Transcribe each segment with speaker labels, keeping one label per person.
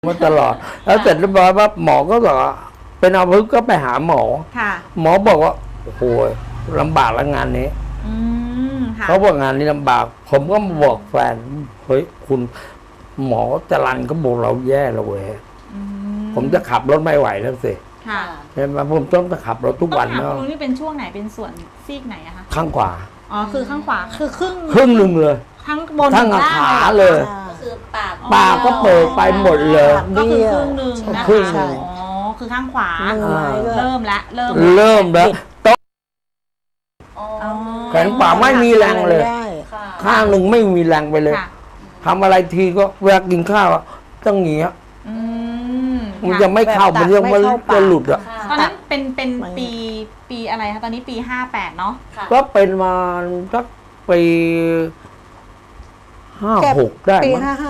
Speaker 1: มาตลอดแล้วเสร็จเรียบร้อยว่าหมอก็บอกว่าเป็นอัมพฤกษ์ก็ไปหาหมอหมอบอกว่าโอ้โหลำบากแล้วงานนี้เขาบอกงานนี้ลำบากผมก็มาบอกแฟนเฮ้ยคุณหมอจรัญก็บอกเราแย่แล้วเว้ยผมจะขับรถไม่ไหวแล้วสิเห็นไหมผมต้องขับรถทุกวันเนาะ
Speaker 2: ลุงนี่เป็นช่วงไหนเป็นส่วนซีกไหนอะคะ
Speaker 1: ข้างขวา
Speaker 2: อ๋อคือข้างขวาคือครึ่ง
Speaker 1: หนึ่งเลย
Speaker 2: ทั้งบน
Speaker 1: ทั้งขาเลย
Speaker 3: ก็คือ
Speaker 1: ปากก็เปิดไปหมดเลย
Speaker 2: ก็คือครึ่งหนึ่งนะคะอ๋อคือข้างขวาเริ่มแล้ว
Speaker 1: แขนขวาไม่มีแรงเลยข้างหนึ่งไม่มีแรงไปเลยทำอะไรทีก็เวลากินข้าวต้องเงี้ยมันจะไม่เข้ามันยังมันจะหลุดอ่ะ
Speaker 2: ตอนนั้นเป็นปีอะไรคะตอนนี้ปี58เนาะ
Speaker 1: ก็เป็นมาสักปี56ได้
Speaker 4: ปี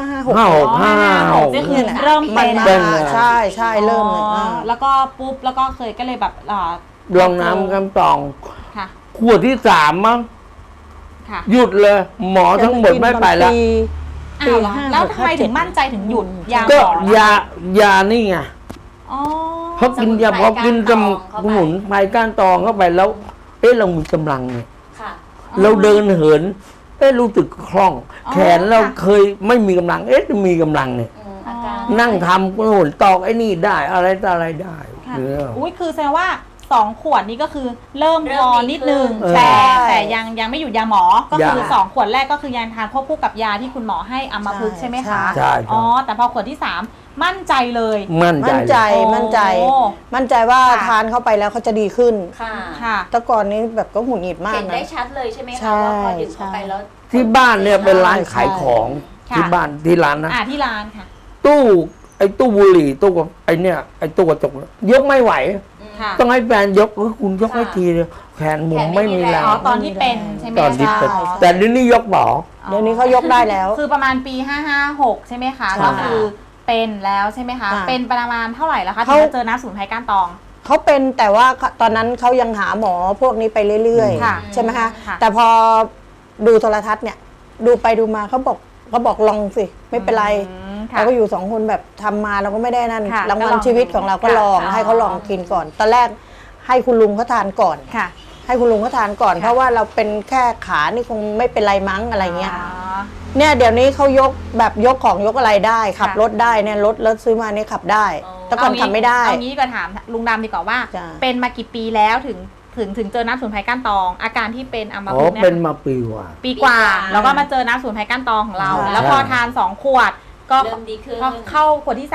Speaker 1: 56
Speaker 2: เริ่มเป็น
Speaker 4: ใช่เริ่มเลย
Speaker 2: แล้วก็ปุ๊บแล้วก็เคยก็เลยแบบ
Speaker 1: ลองน้ำกำตองขวดที่3มั้งหยุดเลยหมอทั้งหมดไม่ไปแล้ว
Speaker 2: แล้วทำไมถึงมั่นใจถึงหยุดยา
Speaker 1: ก็ยานี่ไงเพราะกินยาพอกินสมุนไพรก้านตองเข้าไปแล้วเรามีกำลังเนี่ยเราเดินเหินรู้สึกคล่องแขนเราเคยไม่มีกำลังมีกำลังเนี่ยนั่งทำหนตอกไอ้นี่ได้อะไรต่ออะไรได้
Speaker 2: อุ้ยคือแสดงว่า2 ขวดนี้ก็คือเริ่มพอนิดนึงแต่ยังไม่หยุดยาหมอก็คือ2 ขวดแรกก็คือยังทานควบคู่กับยาที่คุณหมอให้อัมพฤกษ์ใช่ไหมคะ
Speaker 1: ใช่
Speaker 2: อ๋อแต่พอขวดที่3มั่นใจเลย
Speaker 4: มั่นใจว่าทานเข้าไปแล้วเขาจะดีขึ้นค่ะแต่ก่อนนี้แบบก็หงุดหงิดมาก
Speaker 3: เห็นได้ชัดเลยใช่ไหมคะว่าพอดื่มเข้าไปแล้ว
Speaker 1: ที่บ้านเนี่ยเป็นร้านขายของที่บ้านที่ร้านนะ
Speaker 2: ที่ร้านค่ะ
Speaker 1: ตู้บุหรี่ตู้ไอ้เนี่ยไอ้ตู้กระจกยกไม่ไหวต้องให้แฟนยกคุณยกให้ทีเลยแขนผมไม่มีแรง
Speaker 2: ตอนที่เป็นใช่ไหม
Speaker 1: ตอนที่เป็นแต่เดี๋ยวนี้ยกบ่
Speaker 4: เดี๋ยวนี้เขายกได้แล้ว
Speaker 2: คือประมาณปี556ใช่ไหมคะก็คือเป็นแล้วใช่ไหมคะเป็นประมาณเท่าไหร่แล้วคะที่เจอน้ำสมุนไพรก้านตอง
Speaker 4: เขาเป็นแต่ว่าตอนนั้นเขายังหาหมอพวกนี้ไปเรื่อยๆใช่ไหมคะแต่พอดูโทรทัศน์เนี่ยดูไปดูมาเขาบอกลองสิไม่เป็นไรเราก็อยู่2 คนแบบทำมาเราก็ไม่ได้นั่นรางวัลชีวิตของเราก็ลองให้เขาลองกินก่อนตอนแรกให้คุณลุงเขาทานก่อนให้คุณลุงเขาทานก่อนเพราะว่าเราเป็นแค่ขานี่คงไม่เป็นไรมั้งอะไรเงี้ยเนี่ยเดี๋ยวนี้เขายกแบบยกของยกอะไรได้ขับรถได้เนี่ยรถซื้อมาเนี่ยขับได้แต่ก่อนขับไม่ได้
Speaker 2: เอางี้ก็ถามลุงดำดีกว่าว่าเป็นมากี่ปีแล้วถึงเจอน้ำสมุนไพรก้านตองอาการที่เป็นอัมพฤกษ์เนี่ย
Speaker 1: เป็นมาปี
Speaker 2: กว่าแล้วก็มาเจอน้ำสมุนไพรก้านตองของเราแล้วพอทาน2 ขวดก็พอเข้าขวดที่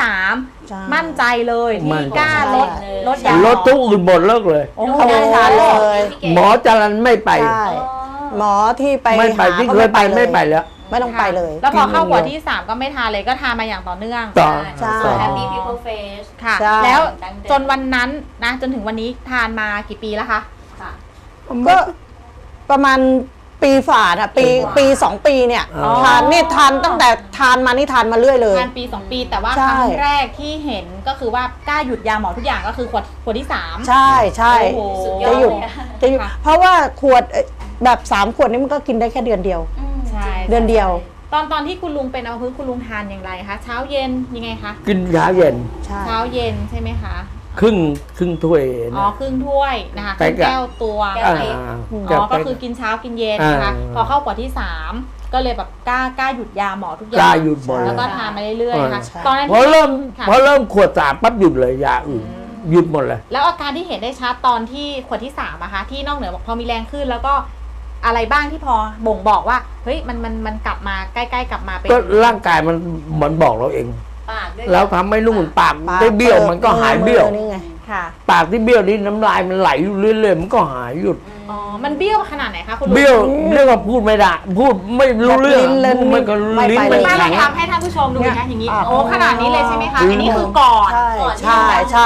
Speaker 2: 3มั่นใจเลยที่กล้าลดยา
Speaker 1: ลดทุกอื่นหมดเลิกเลย
Speaker 4: เขาไม่ทานเลย
Speaker 1: หมอจรัญไม่ไป
Speaker 4: หมอที่ไป
Speaker 1: ไม่ไปที่เคยไปไม่ไปแล้ว
Speaker 4: ไม่ต้องไปเลย
Speaker 2: แล้วพอเข้าขวดที่3ก็ไม่ทานเลยก็ทานมาอย่างต่อเนื่อง
Speaker 3: ใช่ Happy People Face
Speaker 2: ค่ะแล้วจนวันนั้นนะจนถึงวันนี้ทานมากี่ปีแล้วคะ
Speaker 4: ก็ประมาณปีฝ่าอะปี2 ปีเนี่ยทานตั้งแต่ทานมานี่ทานมาเรื่อยเลย
Speaker 2: ทานปี2 ปีแต่ว่าครั้งแรกที่เห็นก็คือว่ากล้าหยุดยาหมอทุกอย่างก็คือขวดที่3
Speaker 4: ใช่จะหยุดเพราะว่าขวดแบบ3 ขวดนี้มันก็กินได้แค่เดือนเดียวเดือนเดียว
Speaker 2: ตอนที่คุณลุงเป็นอัมพฤกษ์คุณลุงทานอย่างไรคะเช้าเย็นยังไงคะ
Speaker 1: กินเช้าเย็น
Speaker 2: ใช่ไหมคะ
Speaker 1: ครึ่งถ้วย
Speaker 2: ครึ่งถ้วยนะคะแก้วตัวก็คือกินเช้ากินเย็นนะคะพอเข้าขวดที่3ก็เลยแบบกล้าหยุดยาหมอทุกอย่าง
Speaker 1: กล้าหยุดหมด
Speaker 2: แล้วก็ทานมาเรื่อยๆนะคะ
Speaker 1: ตอนนั้นพอเริ่มขวด3ปั๊บหยุดเลยยาอื่นหยุดหมดเลย
Speaker 2: แล้วอาการที่เห็นได้ชัดตอนที่ขวดที่3อะคะที่นอกเหนือบอกพอมีแรงขึ้นแล้วก็อะไรบ้างที่พอบ่งบอกว่าเฮ้ยมันกลับมาใกล้ๆกลับมาเป็น
Speaker 1: ก็ร่างกายมันบอกเราเองแล้วทำให้นุ่มปากได้เบี้ยวมันก็หายเบี้ยวปากที่เบี้ยวนี่น้ำลายมันไหลอยู่เรื่อยๆมันก็หายหยุด
Speaker 2: มันเบี้ยวขนาดไหนคะคุณลุง
Speaker 1: เบี้ยวเรียกว่าพูดไม่ได้พูดไม่รู้เรื่องมันก็ลิ้นไม่
Speaker 2: ลองทำให้ท่านผู้ชมดูนะอย่างนี้ขนาดนี้เลยใช่ไหมคะอันนี้คือก่อน
Speaker 4: ใช่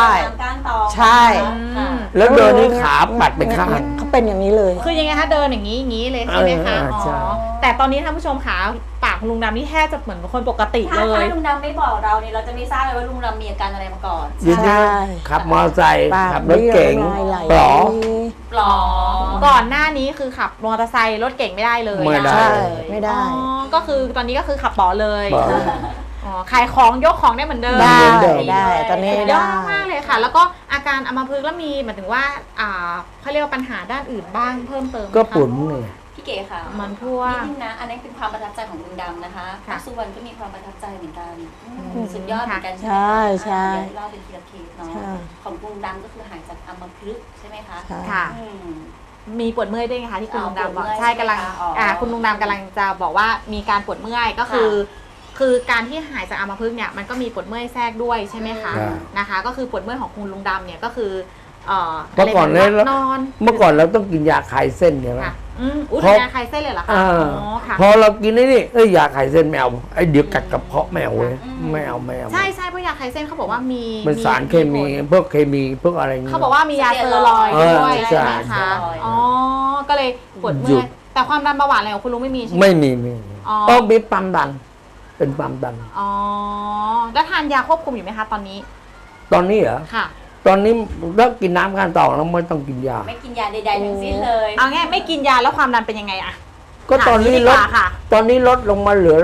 Speaker 1: แล้วเดินนี่ขาปัดไปข้าง
Speaker 4: เขาเป็นอย่างนี้เลย
Speaker 2: คือยังไงคะเดินอย่างนี้เลยใช่ไหมคะแต่ตอนนี้ท่านผู้ชมขาปากของลุงดำนี่แทบจะเหมือนคนปกติเลย
Speaker 3: ถ้าลุงดำไม่บอกเราเนี่ยเราจะไม่ทราบเลยว่าลุงดำมีอาการอะไรมาก่อน
Speaker 1: ใช่ขับมอเตอร์ไซค์ขับรถเก๋งปลอ
Speaker 2: ก่อนหน้านี้คือขับมอเตอร์ไซค์รถเก๋งไม่ได้เลย
Speaker 4: ไม่ได้
Speaker 2: ก็คือตอนนี้ก็คือขับปลอเลยอ๋อขายของยกของได้เหมือนเดิม
Speaker 4: ได้ตอนนี้
Speaker 2: เย
Speaker 4: ได้
Speaker 2: อะมากเลยค่ะ แล้วก็อาการอัมพฤกษ์แล้วมีหมายถึงว่าเขาเรียกว่าปัญหาด้านอื่นบ้างเพิ่มเติมไหมคะ
Speaker 1: ก็ปวดเมื่อย
Speaker 3: พี่เก๋ค่ะ
Speaker 2: มันพวก
Speaker 3: นิดนึงนะอันนี้เป็นความประทับใจของลุงดำนะคะ
Speaker 2: ค่ะ
Speaker 3: สุวรรณก็มีความประทับใจเหมือนกันสุดยอดเหมือนกัน
Speaker 4: ใช่ใช่
Speaker 3: เดี๋ยวเล่าเป็นทีละเคสเนาะ
Speaker 4: ใช่
Speaker 3: ของลุงดำก็คือหายจากอัมพฤกษ์ใช่ไหมคะ
Speaker 4: ใช่
Speaker 2: ค่ะ
Speaker 3: อืม
Speaker 2: มีปวดเมื่อยด้วยไงคะที่คุณลุงดำบอก
Speaker 3: ปวดเมื่อย
Speaker 2: ใช่กำลัง
Speaker 3: ใช่ไหมคะอ๋อ
Speaker 2: คุณลุงดำกำลังจะบอกว่ามีการปวดเมื่อยก็คือ คือการที่หายจากอัมพฤกษ์เนี่ยมันก็มีปวดเมื่อยแทรกด้วยใช่ไหมคะ
Speaker 1: ใช่
Speaker 2: นะคะ ก็คือปวดเมื่อยของคุณลุงดำเนี่ยก็คือ
Speaker 1: เมื่อก่อน
Speaker 2: เลย
Speaker 1: เนี่ย
Speaker 2: นอน
Speaker 1: เมื่อก่อนเราต้องกินยาคลายเส้นใช่ไหม
Speaker 2: ค่ะอุ้ย
Speaker 1: เพราะ
Speaker 2: ยาคลายเส้นเลยเหรอคะ
Speaker 1: อ่า
Speaker 2: อ๋อค่ะ
Speaker 1: พอเรากินไอ้นี่ยาคลายเส้นไม่เอาไอ้เดี๋ยวกัดกระเพาะไม่เอาเว้ยไม่เอา
Speaker 2: ใช่ใช่เพราะยาคลายเส้นเขาบอกว่ามี
Speaker 1: มันสารเคมีพวกเคมีพวกอะไรอย่างเงี้ย
Speaker 2: เขาบอกว่ามียาสเตียรอยด์ด้วย
Speaker 1: ใช่
Speaker 2: ใช่ไหมคะอ๋อก็เลยปวด
Speaker 1: ห
Speaker 2: เมื่
Speaker 1: ยุ
Speaker 2: อ
Speaker 1: ด
Speaker 2: ยแต่ความดันเบาหวานอะไรของคุณลุงไม่มีใช่ไหม
Speaker 1: ไม่มี
Speaker 2: อ๋อ
Speaker 1: ต้องมีความดัน เป็นความดัน
Speaker 2: อ๋อแล้วทานยาควบคุมอยู่ไหมคะตอนนี้
Speaker 1: ตอนนี้เหรอ
Speaker 2: ค่ะ
Speaker 1: ตอนนี้เลิกกินน้ำกันต่อแล้วไม่ต้องกินยา
Speaker 3: ไม่กินยาใดๆทั้งสิ้นเลย
Speaker 2: เอาง่ายไม่กินยาแล้วความดันเป็นยังไงอะ
Speaker 1: ก็ตอนนี้
Speaker 2: ถาม
Speaker 1: ล
Speaker 2: ดี
Speaker 1: ด
Speaker 2: กว่าค่ะ
Speaker 1: ตอนนี้ลดลงมาเหลือ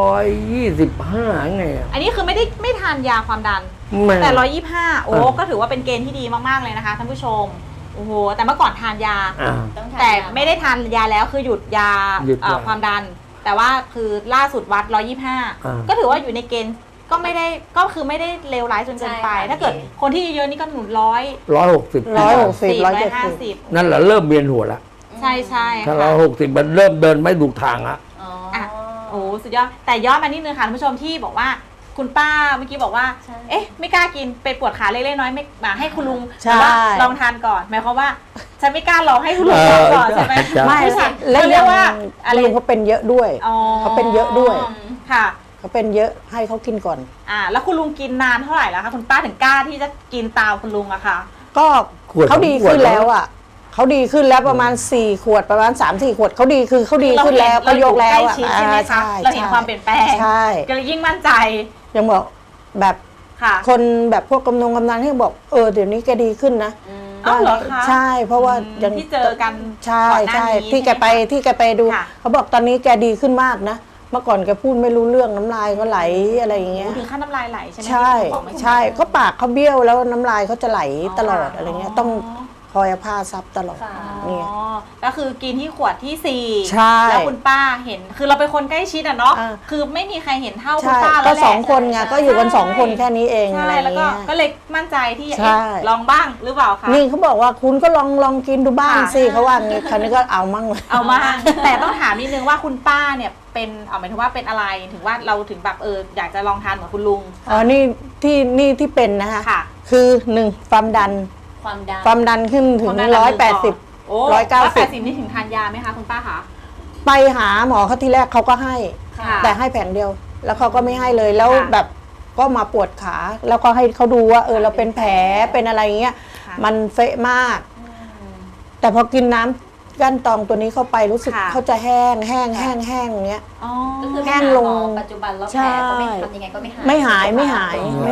Speaker 1: 125ไงอะ
Speaker 2: อันนี้คือไม่ทานยาความดัน
Speaker 1: ไม่
Speaker 2: แต่125โอ้
Speaker 1: อ่า
Speaker 2: ก็ถือว่าเป็นเกณฑ์ที่ดีมากๆเลยนะคะท่านผู้ชมโอ้โหแต่เมื่อก่อนทานยา
Speaker 1: อ่า
Speaker 3: ต้องทาน
Speaker 2: แต่
Speaker 3: ยา
Speaker 2: ไม่ได้ทานยาแล้วคือหยุดยา
Speaker 1: หยุดยา
Speaker 2: ความดัน แต่ว่าคือล่าสุดวัด
Speaker 1: อ่า
Speaker 2: 125ก็ถือว่าอยู่ในเกณฑ์ก็ไม่ได้ก็คือไม่ได้เลวร้ายจนเกินไป
Speaker 3: ใช่ค่ะ
Speaker 2: ถ้าเกิดคนที่เยอะๆนี่ก็หนุน100
Speaker 1: 160
Speaker 4: 160
Speaker 2: 170
Speaker 1: นั่นแหละเริ่มเวียนหัวแล้ว
Speaker 2: ใช่ใช่
Speaker 1: ถ้า
Speaker 2: ค่ะ
Speaker 1: 160มันเริ่มเดินไม่ถูกทางละ
Speaker 3: อ๋อ
Speaker 2: อ่ะ โอ้สุดยอดแต่ย้อนมานิดนึงค่ะท่านผู้ชมที่บอกว่าคุณป้าเมื่อกี้บอกว่า
Speaker 3: ใช่
Speaker 2: เอ๊ะไม่กล้ากินไปปวดขาเล็กๆน้อยๆไม่มาให้คุณลุง
Speaker 4: ใช่
Speaker 2: แต่ว่าลองทานก่อนหมายความว่าฉันไม่กล้าลองให้คุณลุงลองก่อนใช่ไหม
Speaker 1: ใช่
Speaker 4: ไม่
Speaker 2: ใช่
Speaker 4: แล้ว
Speaker 2: เขาเรียกว่าอะไร
Speaker 4: ลุงเขาเป็นเยอะด้วย
Speaker 2: อ๋อ
Speaker 4: เขาเป็นเยอะด้วย
Speaker 2: ค่ะ
Speaker 4: เขาเป็นเยอะให้เขากินก่อน
Speaker 2: แล้วคุณลุงกินนานเท่าไหร่แล้วคะคุณป้าถึงกล้าที่จะกินตามคุณลุงอะคะ
Speaker 4: ก็
Speaker 1: ขวด
Speaker 4: เขาดี
Speaker 1: ขวด
Speaker 4: ขึ้นแล้วอ่ะเขาดีขึ้นแล้วประมาณ4 ขวดประมาณ3-4 ขวดเขาดีคือเขาดีขึ้นแล้วเขายกแล้ว
Speaker 2: เราอยู่ใกล้ชิดใช่ไหมคะเราเห็นความเปลี่ยนแปลง
Speaker 4: ใช่
Speaker 2: ก็เลยยิ่งมั่นใจ
Speaker 4: ยังบอกแบบ
Speaker 2: ค่ะ
Speaker 4: คนแบบพวกกำนันที่บอกเดี๋ยวนี้แกดีขึ้นนะ
Speaker 2: อ้าวเหรอคะ
Speaker 4: ใช่เพราะว่า
Speaker 2: อืมที่เจอกัน
Speaker 4: ใช่
Speaker 2: ก่อนหน้า
Speaker 4: ใช่
Speaker 2: นี้
Speaker 4: ที่แกไป
Speaker 2: ใช่ไหมคะ
Speaker 4: ที่แกไปดู
Speaker 2: ค่ะ
Speaker 4: เขาบอกตอนนี้แกดีขึ้นมากนะเมื่อก่อนแกพูดไม่รู้เรื่องน้ำลายก็ไหลอะไรอย่างเงี้ย
Speaker 2: ถึงขั้นน้ำลายไหลใช่ไหม
Speaker 4: ใช่
Speaker 2: ที่คุณบอกเมื่อกี้
Speaker 4: ใช่ก็ปากเขาเบี้ยวแล้วน้ำลายเขาจะไหลตลอดอะไรเงี้ยต้องคอยเอาผ้าซับตลอด
Speaker 3: ค่ะ
Speaker 4: เนี่ย
Speaker 2: อ๋อก็คือกินที่ขวดที่ 4
Speaker 4: ใช่
Speaker 2: แล้วคุณป้าเห็นคือเราเป็นคนใกล้ชิดอะเนาะ
Speaker 4: อ่า
Speaker 2: คือไม่มีใครเห็นเท่าคุณ
Speaker 4: ใช่
Speaker 2: ป้าแล้
Speaker 4: ก็
Speaker 2: วแหละ
Speaker 4: 2 คนไงก็อยู่กัน2 คนแค่นี้เองอะไร
Speaker 2: ใช่แล้วก็
Speaker 4: เงี้ย
Speaker 2: ก็เลยมั่นใจที่
Speaker 4: ใช่
Speaker 2: ลองบ้างหรือเปล่าคะ
Speaker 4: นี่เขาบอกว่าคุณก็ลองกินดูบ้าง
Speaker 2: ค่ะ
Speaker 4: สิเขาว่างี้คราวนี้ก็เอามั่งเลย
Speaker 2: เอามา แต่ต้องถามนิดนึงว่าคุณป้าเนี่ยเป็นหมายถึงว่าเป็นอะไรถึงว่าเราถึงแบบอยากจะลองทานเหมือนคุณลุง
Speaker 4: อ๋อนี่ที่เป็นนะคะ
Speaker 2: ค่ะ
Speaker 4: คือ1ความดัน
Speaker 3: ความดัน
Speaker 4: ขึ้นถึง
Speaker 2: ความดันระดับ
Speaker 4: 180
Speaker 2: โอ้
Speaker 4: 190
Speaker 2: นี่ถึงทานยาไหมคะคุณป้าคะ
Speaker 4: ไปหาหมอเขาที่แรกเขาก็ให้
Speaker 2: ค่ะ
Speaker 4: แต่ให้แผงเดียว แล้วเขาก็ไม่ให้เลยแล้ว
Speaker 2: ค่ะ
Speaker 4: แบบก็มาปวดขาแล้วก็ให้เขาดูว่าเราเป็นแผลเป็นอะไรเงี้ย
Speaker 2: ค่ะ
Speaker 4: มันเฟะมาก แต่พอกินน้ำก้านตองตัวนี้เข้าไปรู้สึก
Speaker 2: ค่ะ
Speaker 4: เขาจะแห้งอย่างเงี้ย
Speaker 2: อ๋อ
Speaker 3: ก็คือ
Speaker 4: แห้งลง
Speaker 3: ปัจจุบันแล้ว
Speaker 4: ใช่
Speaker 3: แผลก็ไม่ทำยังไงก็ไม่หาย
Speaker 4: ไม่หาย
Speaker 1: ไม่หาย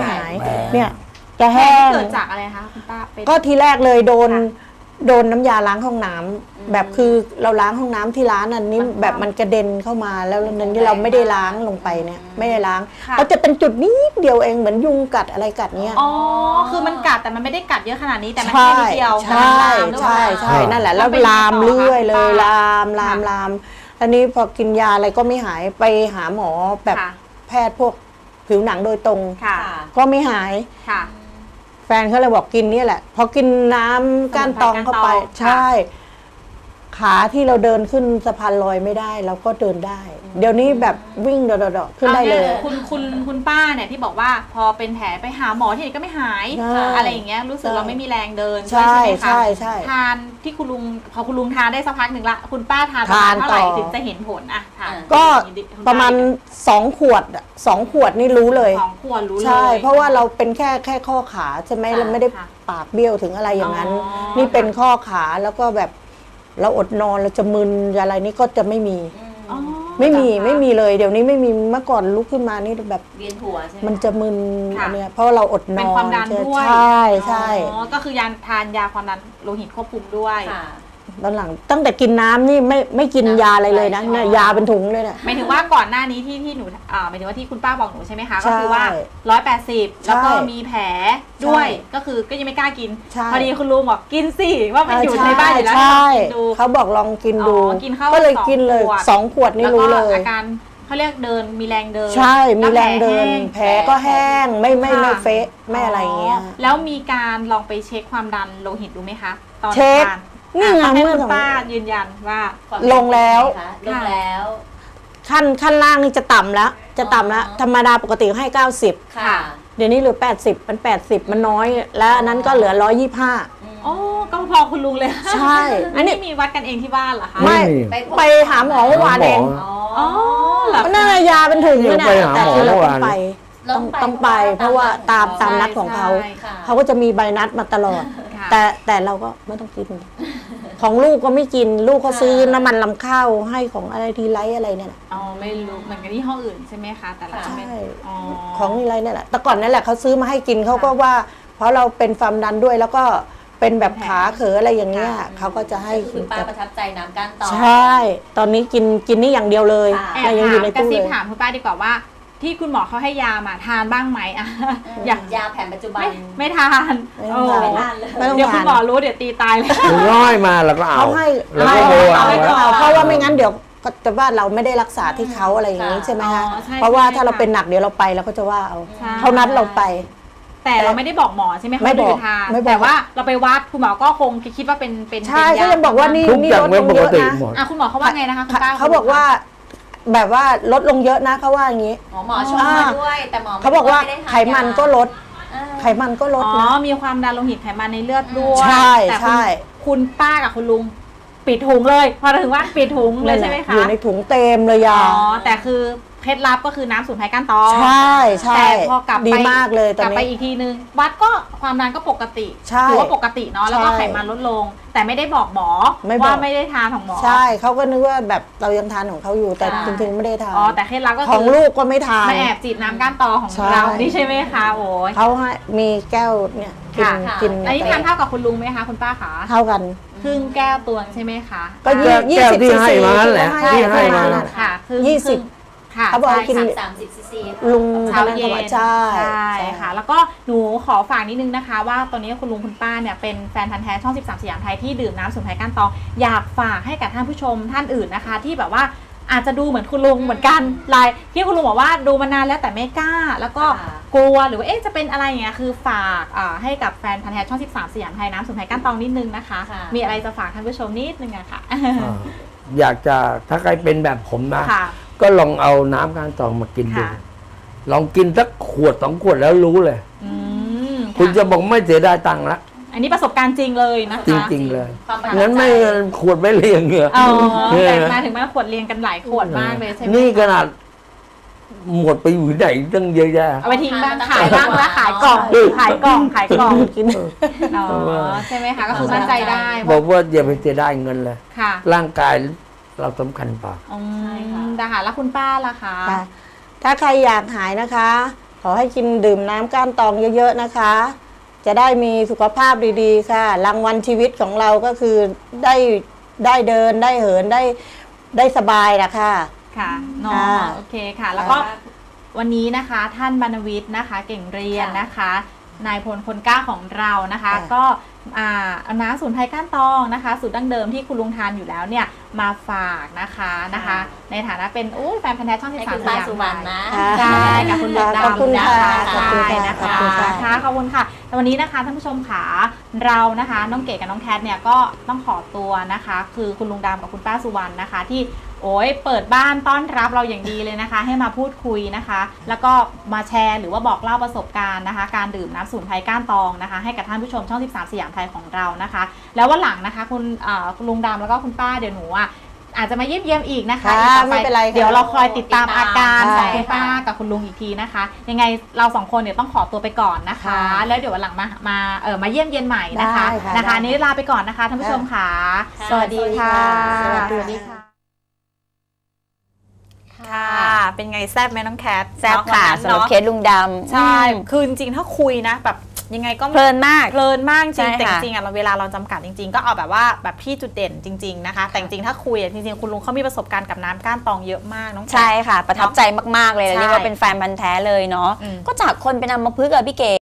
Speaker 4: เนี่ยจะ
Speaker 2: แผล
Speaker 4: แห้ง
Speaker 2: เกิดจากอะไรคะคุณป้าเป็น
Speaker 4: ก็ทีแรกเลยโดน
Speaker 2: ค่ะ
Speaker 4: โดนน้ำยาล้างห้องน้ำแบบคือเราล้างห้องน้ำที่ร้านอันนี้
Speaker 2: มัน
Speaker 4: แบบมันกระเด็นเข้ามาแล้วนั้นที่เราไม่ได้ล้างลงไปเนี่ยไม่ได้ล้าง
Speaker 2: ค่ะ
Speaker 4: เขาจะเป็นจุดนิดเดียวเองเหมือนยุงกัดอะไรกัดเนี้ย
Speaker 2: อ๋อ คือมันกัดแต่มันไม่ได้กัดเยอะขนาดนี้แต่มัน
Speaker 4: ใช่
Speaker 2: แค่นิดเดียว
Speaker 4: ใช่
Speaker 2: แต่มันลามหรือเปล่า
Speaker 4: ใช่นั่นแหละแล้ว
Speaker 2: เป็น
Speaker 4: ลาม
Speaker 2: ต่อ
Speaker 4: เรื่อยเลย
Speaker 2: ค่ะ
Speaker 4: ลามตอนนี้พอกินยาอะไรก็ไม่หายไปหาหมอแบบ
Speaker 2: ค่ะ
Speaker 4: แพทย์พวกผิวหนังโดยตรง
Speaker 2: ค่ะ
Speaker 4: ก็ไม่หาย
Speaker 2: ค่ะ
Speaker 4: แฟนเขาเลยบอกกินเนี่ยแหละ พอกินน้ำก้านตองเข้าไป
Speaker 2: สมุนไพรก้านตอง
Speaker 4: ใช่ ขาที่เราเดินขึ้นสะพานลอยไม่ได้เราก็เดินได้ เดี๋ยวนี้แบบวิ่งเดาๆขึ้นได้เลย
Speaker 2: อาคุณป้าเนี่ยที่บอกว่าพอเป็นแผลไปหาหมอที่ไหนก็ไม่หาย
Speaker 4: ใช่
Speaker 2: อะไรอย่างเงี้ยรู้สึก
Speaker 4: ใช่
Speaker 2: เราไม่มีแรงเดิน
Speaker 4: ใช่
Speaker 2: ด้วยใช่ไหมคะ
Speaker 4: ใช่
Speaker 2: ทานที่คุณลุงพอคุณลุงทานได้สักพักหนึ่งละคุณป้าทานประมาณ
Speaker 4: ทาน
Speaker 2: เท่าไหร่
Speaker 4: ต่อ
Speaker 2: ถึงจะเห็นผลอะทาน
Speaker 4: ก็
Speaker 2: คุณป้
Speaker 4: ประมาณ2 ขวดอะ2 ขวดนี่รู้เลย
Speaker 2: 2 ขวดรู้เลย
Speaker 4: ใช่ เพราะว่าเราเป็นแค่ข้อขาใช่ไหม
Speaker 2: ค่ะ
Speaker 4: เราไม่ได้
Speaker 2: ค่ะ
Speaker 4: ปากเบี้ยวถึงอะไรอย่างนั้น
Speaker 2: อ๋อ
Speaker 4: นี่เป็นข้อขาแล้วก็แบบเราอดนอนเราจะมึนอะไรนี่ก็จะไม่มี
Speaker 2: อ๋อ
Speaker 4: ไม่มีเลยเดี๋ยวนี้ไม่มีเมื่อก่อนลุกขึ้นมานี่แบบ
Speaker 3: เวียนหัวใช่ไหม
Speaker 4: มันจะมึน
Speaker 2: ค่ะ
Speaker 4: อันเนี้ยเพราะว่าเราอดน
Speaker 2: เป็น
Speaker 4: อน
Speaker 2: ความดันด้วย
Speaker 4: ใช่ใช่
Speaker 2: อ๋อก็คือยาทานยาความดันโลหิตควบคุมด้วย
Speaker 3: ค่ะ
Speaker 4: ตอนหลังตั้งแต่กินน้ำนี่ไม่กินยาอะไรเลยนะเนี่ยยาเป็นถุงเลยเนี่ย
Speaker 2: หมายถึงว่าก่อนหน้านี้ที่หนูหมายถึงว่าที่คุณป้าบอกหนูใช่ไหมคะ
Speaker 4: ใช่
Speaker 2: ก็คือว่า180แล้วก็มีแผลด้วยก็คือก็ยังไม่กล้ากิน
Speaker 4: ใช่
Speaker 2: พอดีคุณลุงบอกกินสิว่ามันอยู่ในบ้านอยู่แล้ว
Speaker 4: ใช่
Speaker 2: กินดู
Speaker 4: เขาบอกลองกินดู
Speaker 2: กินเข้า
Speaker 4: ก็เลยกินเลย 2 ขวดนี่รู้เล
Speaker 2: แล้วก็
Speaker 4: ย
Speaker 2: อาการเขาเรียกเดินมีแรงเดิน
Speaker 4: ใช่มีแรงเดิน
Speaker 2: ล้ว
Speaker 4: แผลก็แห้งไม่
Speaker 2: ค่ะ
Speaker 4: เฟะไม่อะไรอย่างเงี้ย
Speaker 2: แล้วมีการลองไปเช็คความดันโลหิตดูไหมคะตอน
Speaker 4: เช็ค
Speaker 2: ทาน
Speaker 4: นี่ไง
Speaker 2: ให้
Speaker 4: เมื่อ
Speaker 2: คุณป้ายืนยันว่า
Speaker 4: ลงแล้ว
Speaker 3: ลงแล้ว
Speaker 4: ขั้นล่างนี่จะต่ำแล้วธรรมดาปกติให้ 90
Speaker 3: ค่ะ
Speaker 4: เดี๋ยวนี้เหลือ80มัน80มันน้อย แล้วอันนั้นก็เหลือ125
Speaker 2: โอ้ก็พอคุณลุงเลย
Speaker 4: ใช่
Speaker 2: อันนี้มีวัดกันเองที่บ้านเหรอคะ
Speaker 4: ไม่
Speaker 3: ไปพบ
Speaker 4: ไปหาหมอเมื่อวานเอง
Speaker 2: อ๋อเหรอ
Speaker 4: ก็น่ายาเป็นถุงเลยนะ
Speaker 1: ไปหา
Speaker 4: แต่
Speaker 1: หมอ
Speaker 4: คือเรา
Speaker 1: เมื่อ
Speaker 4: ต้อ
Speaker 1: วาง น
Speaker 4: ไปต้องไป เพราะว่าตามนัดของเขา
Speaker 2: ใช่ค่ะ
Speaker 4: เขาก็จะมีใบนัดมาตลอด
Speaker 2: ค่ะ
Speaker 4: แต่เราก็ไม่ต้องกิน ของลูกก็ไม่กิน ลูกเขาซื้อน้ำมันลำข้าวให้ของอะไรทีไรอะไรเนี่ยนะ
Speaker 2: อ๋อไม่รู้เหมือนกันที่ห้องอื่นใช่ไหมคะแต่ละ
Speaker 4: ใช่
Speaker 2: ไม่อ๋อ
Speaker 4: ของทีไรเนี่ยแหละแต่ก่อนนั่นแหละเขาซื้อมาให้กินเขาก็ว่า เพราะเราเป็นความดันด้วยแล้วก็เป็นแบบขาเขออะไรอย่างเงี้ยเขาก็จะให้
Speaker 3: คุณป้าประทับใจน้ำก้านตอง
Speaker 4: ใช่ ตอนนี้กินนี่อย่างเดียวเลย
Speaker 3: ค่ะ
Speaker 2: แอบ
Speaker 4: แต่ยังอยู่ใน
Speaker 2: กระ
Speaker 4: ตู้
Speaker 2: ซิ
Speaker 4: เล
Speaker 2: บ
Speaker 4: ย
Speaker 2: ถามคุณป้าดีกว่าว่า ที่คุณหมอเขาให้ยามาทานบ้างไหมอะอยาก
Speaker 3: ยาแผนปัจจุบัน
Speaker 2: ไม่ทาน
Speaker 4: ไม่ต้องทาน
Speaker 2: โอ้
Speaker 3: ไม่ทานเลย
Speaker 4: ไม่ต้อง
Speaker 2: เดี๋ยวคุณ
Speaker 4: ทาน
Speaker 2: หมอรู้เดี๋ยวตีตายเลย
Speaker 1: ถึงร้อยมาแล้วก็เอา
Speaker 4: เขาให้
Speaker 1: แล้วก็
Speaker 4: ให้
Speaker 1: โว
Speaker 2: เอา
Speaker 1: เอา
Speaker 2: ไว้
Speaker 1: ไว้
Speaker 2: ก่อน
Speaker 4: เพราะว่าไม่งั้นเดี๋ยวก็จะว่าเราไม่ได้รักษาที่เขาอะไรอย่างนี้ใช่ไหมคะ
Speaker 2: อ๋อใช่
Speaker 4: เพราะว่า
Speaker 2: ใช่
Speaker 4: ถ้าเรา
Speaker 2: ค่ะ
Speaker 4: เป็นหนักเดี๋ยวเราไปเราก็จะว่าเอา
Speaker 2: ใช่
Speaker 4: เขานัดเราไป
Speaker 2: แต่เราไม่ได้บอกหมอใช่ไหมคะ
Speaker 4: ไม่บอก
Speaker 2: ว่าทาน
Speaker 4: ไม่บอก
Speaker 2: แต่ว่าเราไปวัดคุณหมอก็คงคิดว่าเป็น
Speaker 4: ใช่
Speaker 2: ป็น
Speaker 4: เขายังบอกว่านี่
Speaker 1: ทุกอย่าง
Speaker 4: ลด
Speaker 1: ไม่
Speaker 4: ลง
Speaker 1: ป
Speaker 4: เย
Speaker 1: ก
Speaker 4: อะ
Speaker 1: ติ
Speaker 4: นะ
Speaker 1: หมด
Speaker 2: อ่ะคุณหมอเขาว่าไงนะคะคุณป้า
Speaker 4: เขาบอกว่าแบบว่าลดลงเยอะนะเขาว่าอย่างนี้
Speaker 3: หมอชมมาด้วยแต่หมอ
Speaker 4: เขาบอกว่า
Speaker 3: ม่ด้ท
Speaker 4: ไขมันก็ลด
Speaker 3: เออ
Speaker 4: ไขมันก็ลด
Speaker 2: อ๋อ
Speaker 4: นะ
Speaker 2: มีความดันโลหิตไขมันในเลือดด้วย
Speaker 4: ใช่
Speaker 2: แต่
Speaker 4: ใช่
Speaker 2: คุณป้ากับคุณลุงปิดถุงเลย พอถึงว่าปิดถุงเลยใช่ไหมคะ
Speaker 4: อยู่ในถุงเต็มเลย
Speaker 2: อ๋
Speaker 4: ยา
Speaker 2: อแต่คือเคล็ดลับก็คือน้ำสูนไพรก้านตอง
Speaker 4: ใช่ใช่
Speaker 2: แต่พอกลับไป
Speaker 4: ดีมากเลยต
Speaker 2: ก
Speaker 4: อน
Speaker 2: ลับไป
Speaker 4: นี้
Speaker 2: อีกทีนึงวัดก็ความดันก็ปกติ
Speaker 4: ใช่
Speaker 2: ถือว่าปกติเนาะแล้วก็
Speaker 4: ใช่
Speaker 2: ไขมันลดลง แต่ไม่ได้บอกหมอ
Speaker 4: ไม่บอก
Speaker 2: ว่าไม่ได้ทานของหมอ
Speaker 4: ใช่เขาก็นึกว่าแบบเรายังทานของเขาอยู่แต่
Speaker 2: ค่ะ
Speaker 4: จริงๆไม่ได้ทาน
Speaker 2: อ๋อแต่เคล็ดลับก็
Speaker 4: ข
Speaker 2: คือ
Speaker 4: องลูกก็ไม่ทาน
Speaker 2: มาแอบจีบน้ำก้านตอของ
Speaker 4: ใช่
Speaker 2: เรานี่ใช่ไหมคะโอ้ย
Speaker 4: เขาให้มีแก้วเนี่ยกิน
Speaker 2: ค่ะ
Speaker 4: กิน
Speaker 2: อันนี้ทานเท่ากับคุณลุงไหมคะคุณป้าคะ
Speaker 4: เท่ากัน
Speaker 2: ครึ่งแก้วตวงใช่ไหมคะ
Speaker 4: ก็
Speaker 1: แก้ว
Speaker 4: ยี่สิบ
Speaker 1: ที่
Speaker 4: ซี
Speaker 1: ให้
Speaker 4: ซี
Speaker 1: มานั่นแหละ
Speaker 4: ที่
Speaker 1: ที่ให้มา
Speaker 4: นั่น
Speaker 2: ค่ะครึ่ง
Speaker 4: 20
Speaker 2: ครึ่งค่ะ
Speaker 4: เขาบอกให้กิน
Speaker 3: 30 ซีซี
Speaker 4: ลุง
Speaker 2: เช้า
Speaker 4: คนนั้น
Speaker 2: เย็
Speaker 4: เขา
Speaker 2: น
Speaker 4: บอกใช่
Speaker 2: ใช่ค่ะ แล้วก็หนูขอฝากนิดนึงนะคะ ว่าตอนนี้คุณลุงคุณป้าเนี่ยเป็นแฟนพันธ์แท้ช่อง 13 สยามไทยที่ดื่มน้ำสมุนไพรก้านตองอยากฝากให้กับท่านผู้ชมท่านอื่นนะคะ ที่แบบว่าอาจจะดูเหมือนคุณลุงเหมือนกันลายที่คุณลุงบอกว่าดูมานานแล้วแต่ไม่กล้า แล้วก็กลัวหรือว่าจะเป็นอะไรอย่างเงี้ยคือฝากให้กับแฟนพันธ์แท้ช่อง 13 สยามไทยน้ำสมุนไพรก้านตองนิดนึงนะคะ มีอะไรจะฝากท่านผู้ชมนิดนึงอะค่ะ
Speaker 1: อยากจะถ้าใครเป็นแบบผมนะ
Speaker 2: ค่ะ
Speaker 1: ก็ลองเอาน้ำก้านตองมากินดู
Speaker 2: ค่ะ
Speaker 1: ลองกินสักขวด2 ขวดแล้วรู้เลย
Speaker 2: อืม
Speaker 1: คุณจะบอกไม่เสียดายตังค์ละ
Speaker 2: อันนี้ประสบการณ์จริงเลยนะคะ
Speaker 1: จริง ๆ เลย
Speaker 3: ความประทับใจ
Speaker 1: งั้นไม่ขวดไม่เรียงเหงื่อ
Speaker 2: อ๋อ
Speaker 1: เออ
Speaker 2: แต่มาถึงมาขวดเรียงกันหลายขวดมากเลยใช่ไหม
Speaker 1: นี่ขนาดหมดไปอยู่ไหนตั้งเยอะแยะ
Speaker 2: เอาไปทิ้งบ้างขายบ้างแล้วขายกล่องขายกล่องขายกล่อง
Speaker 4: กิน
Speaker 2: อ๋อใช่ไหมคะก็คือมั่นใจได้
Speaker 1: บอกว่าอย่าไปเสียดายเงินเลย
Speaker 2: ค่ะ
Speaker 1: ร่างกายเราสำคัญกว่า
Speaker 2: อืมนะคะแล้วคุณป้าล่ะคะ
Speaker 4: ค่ะถ้าใครอยากหายนะคะ ขอให้กินดื่มน้ำก้านตองเยอะๆนะคะ จะได้มีสุขภาพดีๆค่ะรางวัลชีวิตของเราก็คือได้เดินได้เหินได้สบายนะคะ
Speaker 2: ค่ะเนาะโอเคค่ะ แล้วก็วันนี้นะคะท่านบรรณวิทย์นะคะ เก่งเรียนนะคะนายพลคนกล้าของเรานะคะ ก็เอาน้ำสมุนไพรก้านตองนะคะสูตรดั้งเดิมที่คุณลุงทานอยู่แล้วเนี่ยมาฝากนะคะ ในฐานะเป็นแฟนพันธ์แท้ช่อง
Speaker 3: ให้
Speaker 2: 13
Speaker 3: คุณ
Speaker 2: ส
Speaker 3: ป้าย
Speaker 2: าม
Speaker 3: สุวรรณนะ
Speaker 2: ใช่กับคุณลุง
Speaker 4: ขอบคุณ
Speaker 2: ดำนะ
Speaker 4: ค่ะ
Speaker 2: คะ
Speaker 4: ขอบคุณค่ะ
Speaker 2: ใช่นะคะ
Speaker 4: ขอบคุณค่ะ
Speaker 2: ค่ะขอบคุณค่ะแต่วันนี้นะคะท่านผู้ชมขาเรานะคะน้องเก๋กับน้องแคทเนี่ยก็ต้องขอตัวนะคะ คือคุณลุงดำกับคุณป้าสุวรรณนะคะที่เปิดบ้านต้อนรับเราอย่างดีเลยนะคะ ให้มาพูดคุยนะคะ แล้วก็มาแชร์หรือว่าบอกเล่าประสบการณ์นะคะ การดื่มน้ำสมุนไพรก้านตองนะคะ ให้กับท่านผู้ชมช่อง 13 สยามไทยของเรานะคะ แล้ววันหลังนะคะคุณลุงดำแล้วก็คุณป้าเดี๋ยวหนูอาจจะมาเยี่ยมอีกนะคะ
Speaker 4: ค่ะ
Speaker 2: อีกต่อ
Speaker 4: ไม่เป็นไรค่ะ
Speaker 2: เดี๋ยวเราคอยติดตามอาการของ
Speaker 4: ใช่
Speaker 2: คุณป้ากับคุณลุงอีกทีนะคะ ยังไงเราสองคนเดี๋ยวต้องขอตัวไปก่อนนะคะ
Speaker 4: ค่ะ
Speaker 2: แล้วเดี๋ยววันหลังมาเยี่ยมเยียนใหม่นะคะ
Speaker 4: ได้ค่ะ
Speaker 2: นะคะ
Speaker 4: ได้
Speaker 2: นี้ลาไปก่อนนะคะท่านผู้ชมค่ะ
Speaker 3: ค่ะ
Speaker 2: สวัสดีค่ะ
Speaker 4: สวัสดีค่ะ
Speaker 2: ค่ะ เป็นไงแซ่บไหมน้องแคท
Speaker 5: แซ่บค่ะ
Speaker 2: เนา
Speaker 5: สำหรับเคสลุงดำ
Speaker 2: ใช่ คือจริงๆถ้าคุยนะแบบยังไงก็
Speaker 5: เพลินมาก
Speaker 2: จริงแต่จริงๆเราเวลาเราจำกัดจริงๆก็เอาแบบว่าแบบพี่จุดเด่นจริงๆนะคะแต่จริงๆถ้าคุยจริงๆคุณลุงเขามีประสบการณ์กับน้ำก้านตองเยอะมากน้อง
Speaker 5: ใช่ค่ะประทับใจมากๆเลยเรียกว่าเป็นแฟนพันธุ์แท้เลยเนาะก็จากคนเป็นอัมพฤกษ์อะพี่เก๋